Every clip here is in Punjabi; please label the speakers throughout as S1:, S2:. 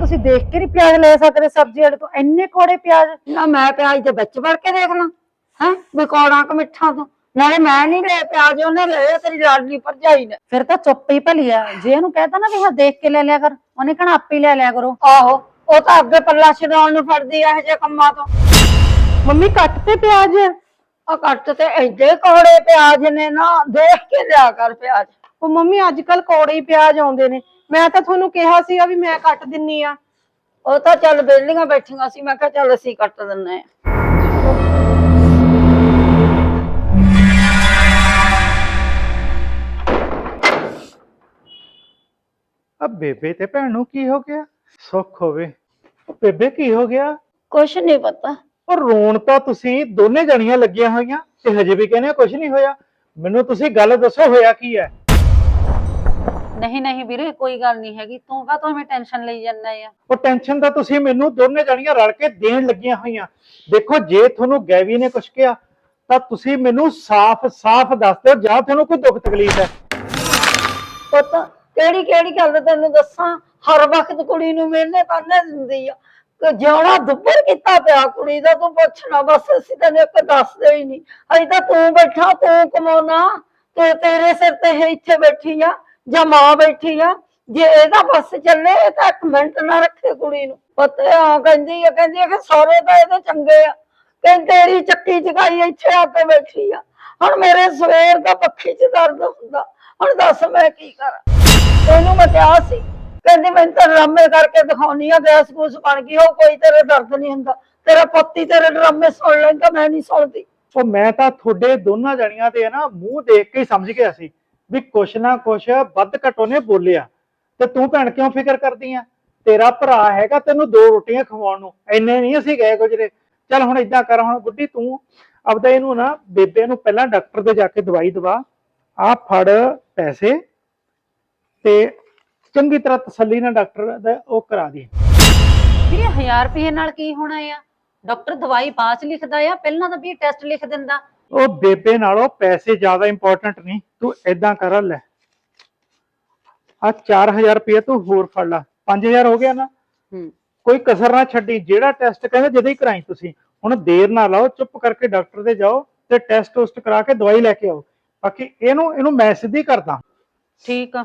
S1: ਤੁਸੀਂ ਦੇਖ ਕੇ ਨਹੀਂ ਪਿਆਜ਼ ਲੈ ਸਕਦੇ ਸਬਜ਼ੀ ਵਾਲੇ ਤੋਂ, ਇੰਨੇ ਕੋੜੇ ਪਿਆਜ਼।
S2: ਨਾ ਮੈਂ ਪਿਆਜ਼ ਦੇ ਵਿੱਚ ਵੜ ਕੇ ਦੇਖ ਲਾਂ ਹੈ ਵੀ ਕੌੜਾ ਕਿ ਮਿੱਠਾ ਤੋਂ। ਨਾਲੇ ਮੈਂ ਨਹੀਂ ਲੈ ਪਿਆਜ਼, ਉਹਨੇ ਲਏ ਤੇਰੀ ਲਾਡਲੀ ਭਰਜਾਈ ਨੇ।
S1: ਫਿਰ ਤਾਂ ਚੁੱਪ ਹੀ ਭਲੀ ਆ। ਜੇ ਉਹਨੂੰ ਕਹਿਤਾ ਨਾ ਵੀ ਹਾਂ ਦੇਖ ਕੇ ਲੈ ਲਿਆ ਕਰ, ਉਹਨੇ ਕਹਿਣਾ ਆਪੇ ਲੈ ਲਿਆ ਕਰੋ।
S2: ਆਹੋ ਉਹ ਤਾਂ ਅੱਗੇ ਪੱਲਾ ਛਡਾਉਣ ਨੂੰ ਫੜਦੀ ਆ ਇਹੋ ਜਿਹੇ ਕੰਮਾਂ ਤੋਂ।
S1: ਮੰਮੀ ਕੱਟ ਤੇ ਪਿਆਜ਼।
S2: ਆ ਕੱਟ ਤੇ ਐਡੇ ਕੌੜੇ ਪਿਆਜ਼ ਨੇ ਨਾ, ਦੇਖ ਕੇ ਲਿਆ ਕਰ ਪਿਆਜ਼।
S1: ਉਹ ਮੰਮੀ ਅੱਜ ਕੱਲ ਕੋੜੇ ਹੀ ਪਿਆਜ਼ ਆਉਂਦੇ ਨੇ। ਮੈਂ ਤਾਂ ਤੁਹਾਨੂੰ ਕਿਹਾ ਸੀਗਾ ਵੀ ਮੈਂ ਕੱਟ ਦਿੰਨੀ ਆ।
S2: ਉਹ ਤਾਂ ਚੱਲ ਵਿਹਲੀਆਂ ਬੈਠੀਆਂ ਸੀ, ਮੈਂ ਕਿਹਾ ਚੱਲ ਅਸੀਂ ਕੱਟ ਦਿੰਨੇ ਆ।
S3: अब बेबे ते भैन नूं की हो गया? सुख होवे। बेबे की हो गया?
S2: ਕੁਛ ਨਹੀਂ ਪਤਾ।
S3: और रोण तां तुसीं दोने जणियां लगियां होईयां ते हजे भी कहने कुछ नहीं होया। मैनूं तुसीं गल दसो होया की है?
S1: नहीं नहीं वीरे कोई गल नहीं हैगी, तू का तो हमें टेंशन लई जाना है।
S3: ਉਹ ਟੈਨਸ਼ਨ ਤਾਂ ਤੁਸੀਂ ਮੈਨੂੰ ਦੋਨੇ ਜਣੀਆਂ ਰਲ ਕੇ ਦੇਣ ਲੱਗੀਆਂ ਹੋਈਆਂ। ਦੇਖੋ ਜੇ ਤੁਹਾਨੂੰ ਗੈਵੀ ਨੇ ਕੁਝ ਕਿਹਾ ਤਾਂ ਤੁਸੀਂ ਮੈਨੂੰ ਸਾਫ਼-ਸਾਫ਼ ਦੱਸ ਦਿਓ, ਜਾਂ ਤੁਹਾਨੂੰ ਕੋਈ ਦੁੱਖ ਤਕਲੀਫ ਹੈ।
S2: ਪੁੱਤ ਕਿਹੜੀ ਕਿਹੜੀ ਗੱਲ ਤੈਨੂੰ ਦੱਸਾਂ? ਹਰ ਵਕਤ ਕੁੜੀ ਨੂੰ ਮਿਲਨੇ ਤਾਨੇ ਦਿੰਦੀ ਆ ਕਿ ਜਿਉਣਾ ਦੁੱਬਰ ਕੀਤਾ ਪਿਆ ਕੁੜੀ ਦਾ। ਤੂੰ ਪੁੱਛਣਾ ਬਸ, ਅਸੀਂ ਤੈਨੂੰ ਇੱਕ ਦੱਸਦੇ ਹੀ ਨਹੀਂ। ਅਜੇ ਤਾਂ ਤੂੰ ਬੈਠਾ, ਤੂੰ ਕਮਾਉਣਾ, ਤੇ ਤੇਰੇ ਸਿਰ ਤੇ ਇਹ ਇੱਥੇ ਬੈਠੀ ਆ ਜਾਂ ਮਾਂ ਬੈਠੀ ਆ। ਜੇ ਇਹਦਾ ਬਸ ਚੱਲੇ ਤਾਂ ਇੱਕ ਮਿੰਟ ਨਾ ਰੱਖੇ ਕੁੜੀ ਨੂੰ। ਪੁੱਤ ਆ ਕਹਿੰਦੀ ਆ ਕਿ ਸਾਰੇ ਤਾਂ ਇਹਦੇ ਚੰਗੇ ਆ, ਕਹਿੰਦੀ ਤੇਰੀ ਚੱਕੀ ਚਕਾਈ ਇੱਥੇ ਆ ਕੇ ਬੈਠੀ ਆ। ਹੁਣ ਮੇਰੇ ਸਵੇਰ ਦਾ ਪੱਖੀ ਚ ਦਰਦ ਹੁੰਦਾ, ਹੁਣ ਦੱਸ ਮੈਂ ਕੀ ਕਰਾਂ? ਇਹਨੂੰ ਮੈਂ ਕਿਹਾ ਸੀ, ਕਹਿੰਦੀ ਮੈਂ ਤਾਂ ਡਰਾਮੇ ਕਰਕੇ ਦਿਖਾਉਣੀ ਆ, ਗੈਸ ਗੂਸ ਬਣ ਗਈ ਹੋ, ਕੋਈ ਤੇਰੇ ਦਰਦ ਨਹੀਂ ਹੁੰਦਾ। ਤੇਰਾ ਪੋਤੀ ਤੇਰੇ ਡਰਾਮੇ ਸੁਣ ਲੈਂਦਾ, ਮੈਂ ਨਹੀਂ ਸੁਣਦੀ।
S3: ਉਹ ਮੈਂ ਤਾਂ ਤੁਹਾਡੇ ਦੋਨਾਂ ਜਣੀਆਂ ਦੇ ਨਾ ਮੂੰਹ ਦੇਖ ਕੇ ਹੀ ਸਮਝ ਗਿਆ ਸੀ ਵੀ ਕੁਛ ਨਾ ਕੁਛ ਵੱਧ ਘੱਟ ਉਹਨੇ ਬੋਲਿਆ। ਤੇ ਤੂੰ ਭੈਣ ਕਿਉਂ ਫਿਕਰ ਕਰਦੀ ਆ? ਤੇਰਾ ਭਰਾ ਹੈਗਾ ਤੈਨੂੰ 2 ਰੋਟੀਆਂ ਖਵਾਉਣ ਨੂੰ, ਇੰਨੇ ਨਹੀਂ ਅਸੀਂ ਗਏ ਗੁਜਰੇ। ਚੱਲ ਹੁਣ ਏਦਾਂ ਕਰ, ਹੁਣ ਗੁੱਡੀ ਤੂੰ ਆਪਦਾ ਇਹਨੂੰ ਨਾ ਬੇਬੇ ਨੂੰ ਪਹਿਲਾਂ ਡਾਕਟਰ ਦੇ ਜਾ ਕੇ ਦਵਾਈ ਦਵਾ। ਆ ਫੜ ਪੈਸੇ ਤੇ ਚੰਗੀ ਤਰ੍ਹਾਂ ਤਸੱਲੀ ਨਾਲ ਡਾਕਟਰ ਦਾ ਉਹ ਕਰਾ ਦੇ।
S1: ਵੀਰੇ 1000 ਰੁਪਏ ਨਾਲ ਕੀ ਹੋਣਾ ਆ? ਡਾਕਟਰ ਦਵਾਈ ਬਾਅਦ ਚ ਲਿਖਦਾ ਆ, ਪਹਿਲਾਂ ਤਾਂ ਵੀ ਟੈਸਟ ਲਿਖ ਦਿੰਦਾ।
S3: ਉਹ ਬੇਬੇ ਨਾਲੋਂ ਪੈਸੇ ਜ਼ਿਆਦਾ ਇੰਪੋਰਟੈਂਟ ਨਹੀਂ। ਤੂੰ ਏਦਾਂ ਕਰ, ਲੈ ਆ 4000 ਰੁਪਏ ਤੂੰ ਹੋਰ ਫੜ ਲਾ, 5000 ਹੋ ਗਿਆ ਨਾ। ਕੋਈ ਕਸਰ ਨਾ ਛੱਡੀ, ਜਿਹੜਾ ਟੈਸਟ ਕਹਿੰਦੇ ਜਦੇ ਹੀ ਕਰਾਈ। ਤੁਸੀਂ ਹੁਣ ਦੇਰ ਨਾ ਲਾਓ, ਚੁੱਪ ਕਰਕੇ ਡਾਕਟਰ ਦੇ ਜਾਓ ਤੇ ਟੈਸਟ ਟੂਸਟ ਕਰਾ ਕੇ ਦਵਾਈ ਲੈ ਕੇ ਆਓ। ਬਾਕੀ ਇਹਨੂੰ ਮੈਂ ਸਿੱਧੀ ਕਰਦਾ।
S1: ਠੀਕ ਆ।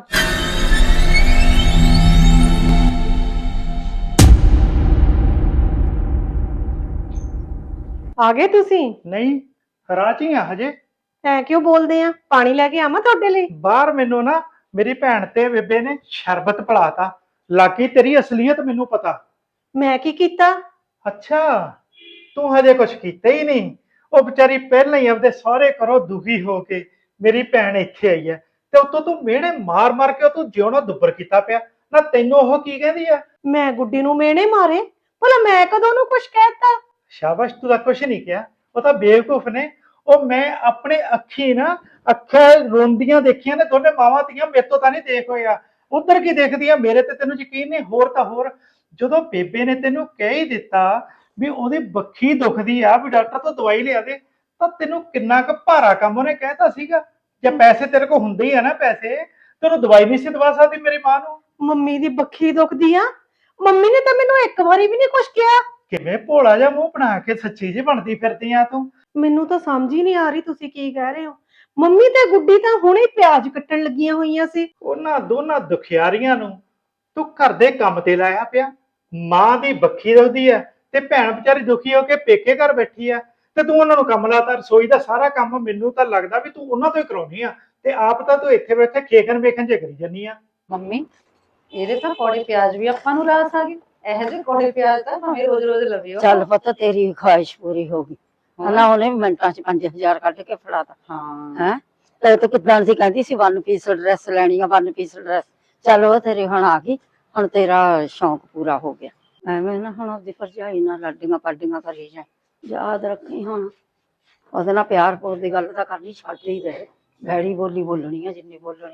S4: ਆ ਗਏ ਤੁਸੀਂ?
S3: ਨਹੀਂ ਰਾਜੀ ਆ ਹਜੇ।
S4: ਐ ਕਿਉਂ ਬੋਲਦੇ ਆ? ਪਾਣੀ ਲੈ ਕੇ ਆਵਾਂ ਤੁਹਾਡੇ ਲਈ?
S3: ਬਾਹਰ ਮੈਨੂੰ ਨਾ ਮੇਰੀ ਭੈਣ ਤੇ ਬੇਬੇ ਨੇ ਸ਼ਰਬਤ ਪਿਲਾਤਾ। ਲਾਕੀ ਤੇਰੀ ਅਸਲੀਅਤ ਮੈਨੂੰ ਪਤਾ।
S4: ਮੈਂ ਕੀ ਕੀਤਾ?
S3: ਅੱਛਾ ਤੂੰ ਹਜੇ ਕੁਛ ਕੀਤਾ ਹੀ ਨਹੀਂ। ਉਹ ਵਿਚਾਰੀ ਪਹਿਲਾਂ ਹੀ ਆਪਦੇ ਸਹੁਰੇ ਘਰੋਂ ਦੁਖੀ ਹੋ ਕੇ ਮੇਰੀ ਭੈਣ ਇੱਥੇ ਆਈ ਹੈ ਤੇ ਉਤੋਂ ਤੂੰ ਮਿਹਣੇ ਮਾਰ ਮਾਰ ਕੇ ਤੂੰ ਜਿਉਣਾ ਦੁੱਬਰ ਕੀਤਾ ਪਿਆ ਨਾ। ਤੈਨੂੰ ਉਹ ਕੀ ਕਹਿੰਦੀ ਆ?
S4: ਮੈਂ ਗੁੱਡੀ ਨੂੰ ਮੇਣੇ ਮਾਰੇ? ਭਲਾ ਮੈਂ ਕਦੋਂ ਉਹਨੂੰ ਕੁਛ ਕਹਿਤਾ?
S3: ਸ਼ਾਬਾਸ਼, ਤੂੰ ਤਾਂ ਕੁਛ ਨਹੀਂ ਕਿਹਾ। ਉਹ ਤਾਂ ਬੇਵਕੂਫ ਨੇ। ਉਹ ਮੈਂ ਆਪਣੇ ਅੱਖੀ ਨਾ ਅੱਖਾਂ ਰੋਂਦੀਆਂ ਦੇਖੀਆਂ ਨੇ ਦੋਨੇ ਮਾਵਾਂ ਧੀਆਂ। ਮੇਰੇ ਤੋਂ ਤਾਂ ਨਹੀਂ ਦੇਖ ਹੋਇਆ, ਉਧਰ ਕੀ ਦੇਖਦੀ ਆ? ਮੇਰੇ ਤੇ ਤੈਨੂੰ ਯਕੀਨ ਨਹੀਂ? ਹੋਰ ਤਾਂ ਹੋਰ, ਜਦੋਂ ਬੇਬੇ ਨੇ ਤੈਨੂੰ ਕਹਿ ਹੀ ਦਿੱਤਾ ਵੀ ਉਹਦੀ ਬੱਖੀ ਦੁਖਦੀ ਆ, ਵੀ ਡਾਕਟਰ ਤੋਂ ਦਵਾਈ ਲਿਆ ਦੇ, ਤਾਂ ਤੈਨੂੰ ਕਿੰਨਾ ਕੁ ਭਾਰਾ ਕੰਮ ਉਹਨੇ ਕਹਿਤਾ ਸੀਗਾ। ਜੇ ਪੈਸੇ ਤੇਰੇ ਕੋਲ ਹੁੰਦੇ ਹੀ ਆ ਨਾ ਪੈਸੇ, ਤੈਨੂੰ ਦਵਾਈ ਨਹੀਂ ਸੀ ਦਵਾ ਸਕਦੀ ਮੇਰੀ ਮਾਂ ਨੂੰ?
S4: ਮੰਮੀ ਦੀ ਬੱਖੀ ਦੁਖਦੀ ਆ? ਮੰਮੀ ਨੇ ਤਾਂ ਮੈਨੂੰ ਇੱਕ ਵਾਰੀ ਵੀ ਨਹੀਂ ਕੁਛ ਕਿਹਾ।
S3: ਕਿਵੇਂ ਭੋਲਾ ਜਿਹਾ ਮੂੰਹ ਬਣਾ ਕੇ ਸੱਚੀ ਜੀ ਬਣਦੀ ਫਿਰਦੀ ਆ ਤੂੰ?
S4: ਮੈਨੂੰ ਤਾਂ ਸਮਝ ਹੀ ਨਹੀਂ ਆ ਰਹੀ ਤੁਸੀਂ ਕੀ ਕਹਿ ਰਹੇ ਹੋ। ਮੰਮੀ ਤੇ ਗੁੱਡੀ ਤਾਂ ਹੁਣੇ ਪਿਆਜ਼ ਕੱਟਣ ਲੱਗੀਆਂ ਹੋਈਆਂ ਸੀ।
S3: ਉਹਨਾਂ ਦੋਨਾਂ ਦੁਖਿਆਰੀਆਂ ਨੂੰ ਤੂੰ ਘਰ ਦੇ ਕੰਮ ਤੇ ਲਾਇਆ ਪਿਆ। ਮਾਂ ਦੀ ਬੱਖੀ ਦੁਖਦੀ ਆ ਤੇ ਭੈਣ ਵਿਚਾਰੀ ਦੁਖੀ ਹੋ ਕੇ ਪੇਕੇ ਘਰ ਬੈਠੀ ਆ, ਤੇ ਤੂੰ ਉਹਨਾਂ ਨੂੰ ਕੰਮ ਲਾਤਾ। ਰਸੋਈ ਦਾ ਸਾਰਾ ਕੰਮ ਮੈਨੂੰ ਤਾਂ ਲੱਗਦਾ ਵੀ ਤੂੰ ਉਹਨਾਂ ਤੋਂ ਹੀ ਕਰਾਉਣੀ ਆ, ਤੇ ਆਪ ਤਾਂ ਤੂੰ ਇੱਥੇ ਬੈਠੇ ਖੇਖਣ ਵੇਖਣ ਜੇ ਕਰੀ ਜਾਨੀ ਆ।
S1: ਮੰਮੀ ਇਹਦੇ ਤਾਂ ਕੋੜੇ ਪਿਆਜ਼ ਵੀ ਆਪਾਂ ਨੂੰ ਰਾਸ ਆ ਗਏ। ਇਹੋ ਜਿਹੇ ਕੋੜੇ ਪਿਆਜ਼ ਤਾਂ ਭਾਵੇਂ ਰੋਜ਼ ਰੋਜ਼ ਲਵਿਓ।
S2: ਚੱਲ ਪੁੱਤ ਤੇਰੀ ਖੁਆਇਸ਼ ਪੂਰੀ ਹੋ ਗਈ ਨਾ। ਉਹਨੇ ਮਿੰਟਾਂ ਚ 5000 ਕੱਢ ਕੇ ਫੜਾਤਾ।
S1: ਹਾਂ
S2: ਹੈ ਤੇ ਤੂੰ ਕਿੱਦਾਂ ਸੀ ਕਹਿੰਦੀ ਸੀ 1 ਪੀਸ ਡਰੈਸ ਲੈਣੀ ਆ, 1 ਪੀਸ ਡਰੈਸ। ਚੱਲ ਉਹ ਤੇਰੀ ਹੁਣ ਆ ਗਈ, ਹੁਣ ਤੇਰਾ ਸ਼ੌਂਕ ਪੂਰਾ ਹੋ ਗਿਆ। ਐਵੇਂ ਨਾ ਹੁਣ ਆਪਦੀ ਭਰਜਾਈ ਨਾਲ ਲਾਡੀਆਂ ਪਾਡੀਆਂ ਕਰੀ ਜਾਏ। ਯਾਦ ਰੱਖੀ ਹੁਣ ਉਹਦੇ ਨਾਲ ਪਿਆਰ ਪੂਰ ਦੀ ਗੱਲ ਤਾਂ ਕਰਨੀ ਛੱਡ ਹੀ ਦੇ। ਭੈੜੀ ਬੋਲੀ ਬੋਲਣੀ ਆ ਜਿੰਨੀ ਬੋਲਣੀ,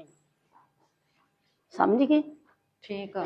S2: ਸਮਝ ਗਈ?
S1: ਠੀਕ ਆ।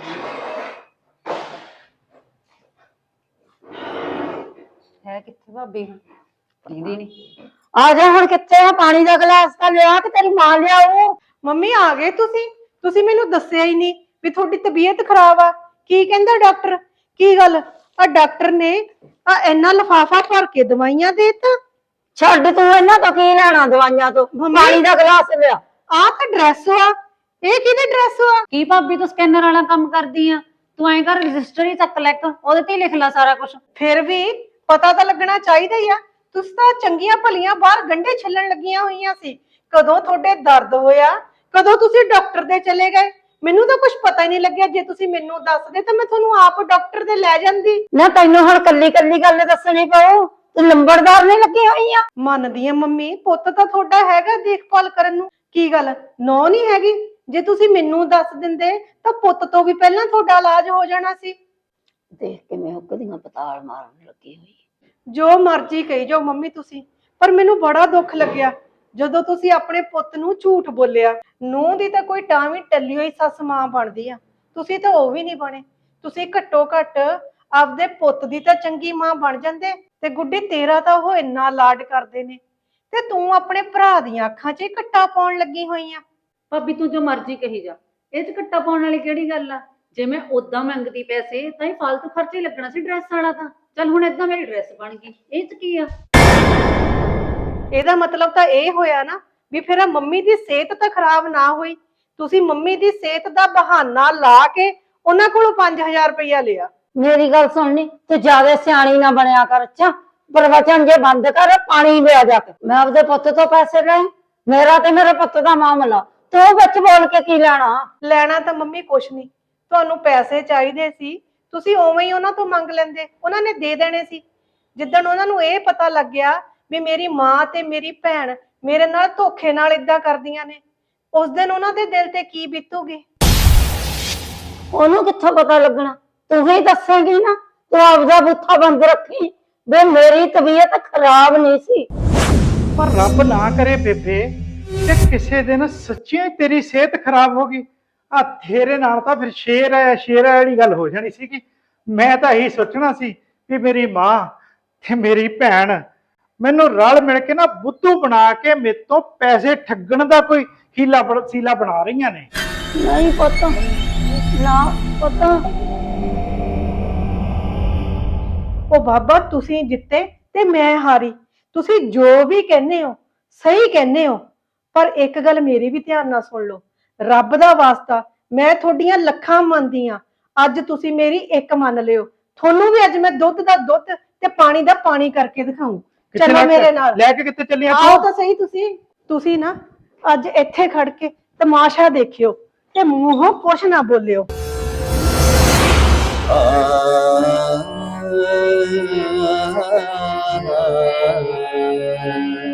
S1: ਹੈ ਕਿੱਥੇ ਭਾਬੀ? ਦੀਦੀ ਨਹੀਂ।
S2: ਆ ਜਾ ਹੁਣ, ਕਿੱਥੇ ਆ? ਪਾਣੀ ਦਾ ਗਲਾਸ ਤਾਂ ਲਿਆ ਕਿ ਤੇਰੀ ਮਾਂ ਲਿਆਊ।
S4: ਮੰਮੀ ਆ ਗਏ ਤੁਸੀਂ? ਤੁਸੀਂ ਮੈਨੂੰ ਦੱਸਿਆ ਹੀ ਨਹੀਂ ਵੀ ਤੁਹਾਡੀ ਤਬੀਅਤ ਖਰਾਬ ਆ। ਕੀ ਕਹਿੰਦਾ ਡਾਕਟਰ? ਕੀ ਗੱਲ ਆ ਡਾਕਟਰ ਨੇ ਆ ਇੰਨਾ ਲਿਫਾਫਾ ਭਰ ਕੇ ਦਵਾਈਆਂ ਦੇਤਾ?
S2: ਛੱਡ ਤੂੰ, ਇਹਨਾਂ ਤੋਂ ਕੀ ਲੈਣਾ ਦਵਾਈਆਂ ਤੋਂ? ਪਾਣੀ ਦਾ ਗਲਾਸ ਲਿਆ।
S4: ਆ ਤਾਂ ਡਰੈਸ ਆ, ਇਹ ਕਿਹਦੇ ਡਰੈਸ ਆ?
S1: ਕੀ ਭਾਬੀ ਤੂੰ ਸਕੈਨਰ ਵਾਲਾ ਕੰਮ ਕਰਦੀ ਆ? ਤੂੰ ਐਂ ਕਰ ਰਜਿਸਟਰ ਹੀ ਚੱਕ ਲੈ, ਉਹਦੇ ਤੇ ਹੀ ਲਿਖ ਲੈ ਸਾਰਾ ਕੁਝ।
S4: ਫਿਰ ਵੀ ਪਤਾ ਤਾਂ ਲੱਗਣਾ ਚਾਹੀਦਾ ਹੀ ਆ। ਤੁਸੀਂ ਤਾਂ ਚੰਗੀਆਂ ਭਲੀਆਂ ਬਾਹਰ ਗੰਢੇ ਛੱਲਣ ਲੱਗੀਆਂ ਹੋਈਆਂ ਸੀ। ਕਦੋਂ ਤੁਹਾਡੇ ਦਰਦ ਹੋਇਆ, ਕਦੋਂ ਤੁਸੀਂ ਡਾਕਟਰ ਦੇ ਚਲੇ ਗਏ? ਮੈਨੂੰ ਤਾਂ ਕੁਝ ਪਤਾ ਹੀ ਨਹੀਂ ਲੱਗਿਆ। ਜੇ ਤੁਸੀਂ ਮੈਨੂੰ ਦੱਸਦੇ ਤਾਂ ਮੈਂ ਤੁਹਾਨੂੰ ਆਪ ਡਾਕਟਰ ਦੇ ਲੈ ਜਾਂਦੀ।
S2: ਨਾ ਤੈਨੂੰ ਹੁਣ ਕੱਲੀ ਕੱਲੀ ਗੱਲ ਦੱਸਣੀ ਪਊ? ਤੂੰ ਲੰਬੜਦਾਰ ਨਹੀਂ ਲੱਗੀ ਹੋਈ ਆ?
S4: ਮੰਨਦੀ ਆ ਮੰਮੀ, ਪੁੱਤ ਤਾਂ ਤੁਹਾਡਾ ਹੈਗਾ ਦੇਖਭਾਲ ਕਰਨ ਨੂੰ। ਕੀ ਗੱਲ ਨੋ ਨਹੀਂ ਹੈਗੀ? ਜੇ ਤੁਸੀਂ ਮੈਨੂੰ ਦੱਸ ਦਿੰਦੇ ਤਾਂ ਪੁੱਤ ਤੋਂ ਵੀ ਪਹਿਲਾਂ ਤੁਹਾਡਾ ਇਲਾਜ ਹੋ ਜਾਣਾ ਸੀ।
S2: ਦੇਖ ਕੇ ਮੈਂ ਹੁੱਕਦੀਆਂ ਪਤਾਲ ਮਾਰਨ ਲੱਗੀ ਹੋਈ।
S4: ਜੋ ਮਰਜ਼ੀ ਕਹੀ ਜਾਓ ਮੰਮੀ ਤੁਸੀਂ, ਪਰ ਮੈਨੂੰ ਬੜਾ ਦੁੱਖ ਲੱਗਿਆ ਜਦੋਂ ਤੁਸੀਂ ਆਪਣੇ ਪੁੱਤ ਨੂੰ ਝੂਠ ਬੋਲਿਆ। ਨੂੰਹ ਦੀ ਤਾਂ ਕੋਈ ਟਾਵੀਂ ਟੱਲੀ ਹੋਈ ਸੱਸ ਮਾਂ ਬਣਦੀ ਆ, ਤੁਸੀਂ ਤਾਂ ਉਹ ਵੀ ਨਹੀਂ ਬਣੇ। ਤੁਸੀਂ ਘੱਟੋ ਘੱਟ ਆਪਦੇ ਪੁੱਤ ਦੀ ਤਾਂ ਚੰਗੀ ਮਾਂ ਬਣ ਜਾਂਦੇ। ਤੇ ਗੁੱਡੀ ਤੇਰਾ ਤਾਂ ਉਹ ਇੰਨਾ ਲਾਡ ਕਰਦੇ ਨੇ ਤੇ ਤੂੰ ਆਪਣੇ ਭਰਾ ਦੀਆਂ ਅੱਖਾਂ 'ਚ ਘੱਟਾ ਪਾਉਣ ਲੱਗੀ ਹੋਈ ਆ।
S1: ਭਾਬੀ ਤੂੰ ਜੋ ਮਰਜ਼ੀ ਕਹੀ ਜਾ, ਇਹ ਚ ਘੱਟਾ ਪਾਉਣ ਵਾਲੀ ਕਿਹੜੀ ਗੱਲ ਆ? ਜੇ ਮੈਂ ਉਦਾਂ ਮੰਗਦੀ ਪੈਸੇ ਤਾਂ ਇਹ ਫालतू ਖਰਚੇ ਹੀ ਲੱਗਣਾ ਸੀ ਡਰੈਸ ਵਾਲਾ। ਤਾਂ ਚੱਲ ਹੁਣ ਏਦਾਂ ਮੇਰੀ ਡਰੈਸ ਬਣ ਗਈ, ਇਹ ਚ ਕੀ ਆ?
S4: ਇਹਦਾ ਮਤਲਬ ਤਾਂ ਇਹ ਹੋਇਆ ਨਾ ਵੀ ਫਿਰ ਮੰਮੀ ਦੀ ਸਿਹਤ ਤਾਂ ਖਰਾਬ ਨਾ ਹੋਈ। ਤੁਸੀਂ ਮੰਮੀ ਦੀ ਸਿਹਤ ਦਾ ਬਹਾਨਾ ਲਾ ਕੇ ਉਹਨਾਂ ਕੋਲੋਂ 5000 ਰੁਪਇਆ ਲਿਆ।
S2: ਮੇਰੀ ਗੱਲ ਸੁਣਨੀ, ਤੂੰ ਜਿਆਦਾ ਸਿਆਣੀ ਨਾ ਬਣਿਆ ਕਰ। ਅੱਛਾ ਪ੍ਰਵਚਨ ਜੇ ਬੰਦ ਕਰ, ਪਾਣੀ ਲਿਆ ਜਾ ਕੇ। ਮੈਂ ਆਪਦੇ ਪੁੱਤ ਤੋਂ ਪੈਸੇ ਲਏ, ਮੇਰਾ ਤੇ ਮੇਰੇ ਪੁੱਤ ਦਾ ਮਾਮਲਾ। ਤੂੰ ਵਿੱਚ ਬੋਲ ਕੇ ਕੀ ਲੈਣਾ?
S4: ਲੈਣਾ ਤਾਂ ਮੰਮੀ ਕੁਛ ਨਹੀਂ, ਤੁਹਾਨੂੰ ਪੈਸੇ ਚਾਹੀਦੇ ਸੀ, ਤੁਸੀਂ ਉਵੇਂ ਹੀ ਉਹਨਾਂ ਤੋਂ ਮੰਗ ਲੈਂਦੇ, ਉਹਨਾਂ ਨੇ ਦੇ ਦੇਣੇ ਸੀ। ਜਿੱਦਣ ਉਹਨਾਂ ਨੂੰ ਇਹ ਪਤਾ ਲੱਗਿਆ ਵੀ ਮੇਰੀ ਮਾਂ ਤੇ ਮੇਰੀ ਭੈਣ ਮੇਰੇ ਨਾਲ ਧੋਖੇ ਨਾਲ ਇਦਾਂ ਕਰਦੀਆਂ ਨੇ, ਉਸ ਦਿਨ ਉਹਨਾਂ ਦੇ ਦਿਲ ਤੇ ਕੀ ਬੀਤੂਗੀ?
S2: ਉਹਨੂੰ ਕਿੱਥੋਂ ਪਤਾ ਲੱਗਣਾ? ਤੂੰ ਹੀ ਦੱਸੇਂਗੀ ਨਾ। ਤੂੰ ਆਪਦਾ ਬੁੱਥਾ ਬੰਦ ਰੱਖੀ ਵੀ ਮੇਰੀ ਤਬੀਅਤ ਖਰਾਬ ਨਹੀਂ ਸੀ।
S3: ਪਰ ਰੱਬ ਨਾ ਕਰੇ ਬੇਬੇ ਕਿ ਕਿਸੇ ਦਿਨ ਸੱਚੀਆਂ ਹੀ ਤੇਰੀ ਸਿਹਤ ਖਰਾਬ ਹੋ ਗਈ। ਆ ਤੇਰੇ ਨਾਲ ਤਾਂ ਫਿਰ ਸ਼ੇਰ ਵਾਲੀ ਗੱਲ ਹੋ ਜਾਣੀ ਸੀ। ਕਿ ਮੈਂ ਤਾਂ ਇਹੀ ਸੋਚਣਾ ਸੀ ਵੀ ਮੇਰੀ ਮਾਂ ਤੇ ਮੇਰੀ ਭੈਣ ਮੈਨੂੰ ਰਲ ਮਿਲ ਕੇ ਨਾ ਬੁੱਧੂ ਬਣਾ ਕੇ ਮੇਰੇ ਤੋਂ ਪੈਸੇ ਠੱਗਣ ਦਾ ਕੋਈ ਹੀਲਾ ਸੀਲਾ ਬਣਾ ਰਹੀਆਂ ਨੇ।
S2: ਨਹੀਂ ਪੁੱਤ, ਨਾ ਪੁੱਤ।
S4: ਉਹ ਬਾਬਾ ਤੁਸੀਂ ਜਿੱਤੇ ਤੇ ਮੈਂ ਹਾਰੀ। ਤੁਸੀਂ ਜੋ ਵੀ ਕਹਿੰਦੇ ਹੋ ਸਹੀ ਕਹਿੰਦੇ ਹੋ, ਪਰ ਇੱਕ ਗੱਲ ਮੇਰੀ ਵੀ ਧਿਆਨ ਨਾਲ ਸੁਣ ਲਓ। ਰੱਬ ਦਾ ਵਾਸਤਾ ਮੈਂ ਤੁਹਾਡੀਆਂ ਲੱਖਾਂ ਮੰਨਦੀ ਆ, ਅੱਜ ਤੁਸੀਂ ਮੇਰੀ ਇੱਕ ਮੰਨ ਲਿਓ। ਤੁਹਾਨੂੰ ਵੀ ਅੱਜ ਮੈਂ ਦੁੱਧ ਦਾ ਦੁੱਧ ਤੇ ਪਾਣੀ ਦਾ ਪਾਣੀ ਕਰਕੇ ਦਿਖਾਉਂ। ਚਲੋ ਮੇਰੇ ਨਾਲ।
S3: ਲੈ ਕੇ ਕਿੱਥੇ ਚੱਲੀਆਂ?
S4: ਆਓ ਤਾਂ ਸਹੀ। ਤੁਸੀਂ ਨਾ ਅੱਜ ਇੱਥੇ ਖੜ ਕੇ ਤਮਾਸ਼ਾ ਦੇਖਿਓ ਤੇ ਮੂੰਹੋਂ ਕੁਛ ਨਾ ਬੋਲਿਓ।
S5: ah